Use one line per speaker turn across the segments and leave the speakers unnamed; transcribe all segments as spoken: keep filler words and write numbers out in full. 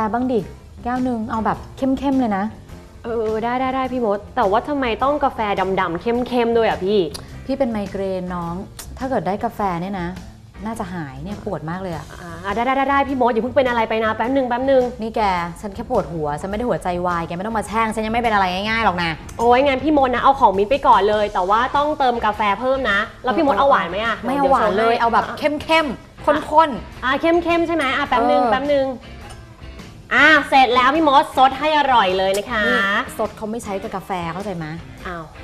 บ้างดิแก้วหนึ่งเอาแบบเข้มๆเลยนะ
เออได้ได้ได้พี่มดแต่ว่าทำไมต้องกาแฟดำๆเข้มๆด้วยอ่ะพี่
พี่เป็นไมเกรนน้องถ้าเกิดได้กาแฟเนี่ยนะน่าจะหายเนี่ยปวดมากเลยอะ
อ่าได้ได้ได้ได้พี่มดอย่าเพิ่งเป็นอะไรไปนะแป๊บนึงแป๊บนึง
นี่แกฉันแค่ปวดหัวฉันไม่ได้หัวใจวายแกไม่ต้องมาแช่งฉันยังไม่เป็นอะไรง่ายๆหรอกนะ
โอ้ยงั้นพี่มดนะเอาของมิ้นไปก่อนเลยแต่ว่าต้องเติมกาแฟเพิ่มนะแล้วพี่มดเอาหวานไหมอะ
ไม่เอาหวานเลยเอาแบบเข้มๆข้น
ๆอ่าเข้มๆใช่ไหมอ่ะแป๊บนึงแป๊บนึงอ่าเสร็จแล้วพี่มดซดให้อร่อยเลยนะคะ
ซดเขาไม่ใช้กับกาแฟเข้าใจไหม
อ้าว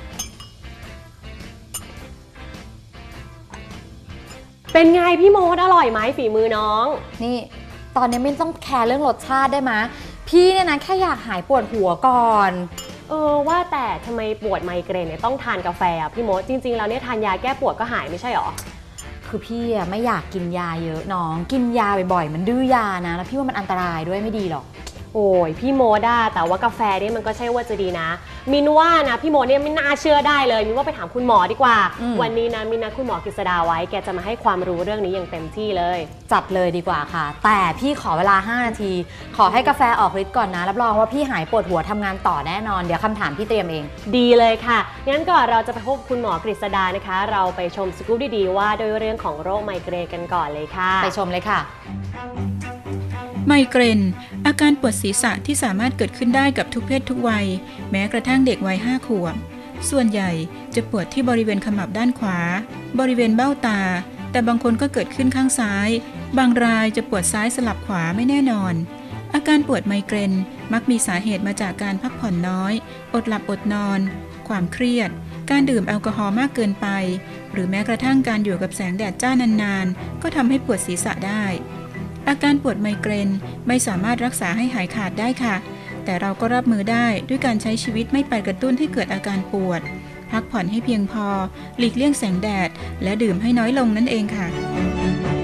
เป็นไงพี่โมดอร่อยไหมฝีมือน้อง
นี่ตอนนี้ไม่ต้องแคร์เรื่องรสชาติได้ไหมพี่เนี่ยนะแค่อยากหายปวดหัวก่อน
เออว่าแต่ทำไมปวดไมเกรนเนี่ยต้องทานกาแฟพี่โมดจริงๆแล้วเนี่ยทานยาแก้ปวดก็หายไม่ใช่หรอ
คือพี่อะไม่อยากกินยาเยอะน้องกินยาบ่อยๆมันดื้อยานะแล้วพี่ว่ามันอันตรายด้วยไม่ดีหรอก
โอ้ยพี่โมดอะแต่ว่ากาแฟเนี่ยมันก็ใช่ว่าจะดีนะมินว่านะพี่โมดเนี่ยไม่น่าเชื่อได้เลยมินว่าไปถามคุณหมอดีกว่าวันนี้นะมินนัดคุณหมอกฤษดาไว้แกจะมาให้ความรู้เรื่องนี้อย่างเต็มที่เลย
จัดเลยดีกว่าค่ะแต่พี่ขอเวลาห้านาทีขอให้กาแฟออกฤทธิ์ก่อนนะรับรองว่าพี่หายปวดหัวทำงานต่อแน่นอนเดี๋ยวคำถามพี่เตรียมเอง
ดีเลยค่ะงั้นก่อนเราจะไปพบคุณหมอกฤษดานะคะเราไปชมสกู๊ปดีๆว่าด้วยเรื่องของโรคไมเกรนกันก่อนเลยค่ะ
ไปชมเลยค่ะ
ไมเกรนอาการปวดศีรษะที่สามารถเกิดขึ้นได้กับทุกเพศทุกวัยแม้กระทั่งเด็กวัยห้าขวบส่วนใหญ่จะปวดที่บริเวณขมับด้านขวาบริเวณเบ้าตาแต่บางคนก็เกิดขึ้นข้างซ้ายบางรายจะปวดซ้ายสลับขวาไม่แน่นอนอาการปวดไมเกรนมักมีสาเหตุมาจากการพักผ่อนน้อยอดหลับอดนอนความเครียดการดื่มแอลกอฮอล์มากเกินไปหรือแม้กระทั่งการอยู่กับแสงแดดจ้านานๆก็ทำให้ปวดศีรษะได้อาการปวดไมเกรนไม่สามารถรักษาให้หายขาดได้ค่ะแต่เราก็รับมือได้ด้วยการใช้ชีวิตไม่ไปกระตุ้นให้เกิดอาการปวดพักผ่อนให้เพียงพอหลีกเลี่ยงแสงแดดและดื่มให้น้อยลงนั่นเองค่ะ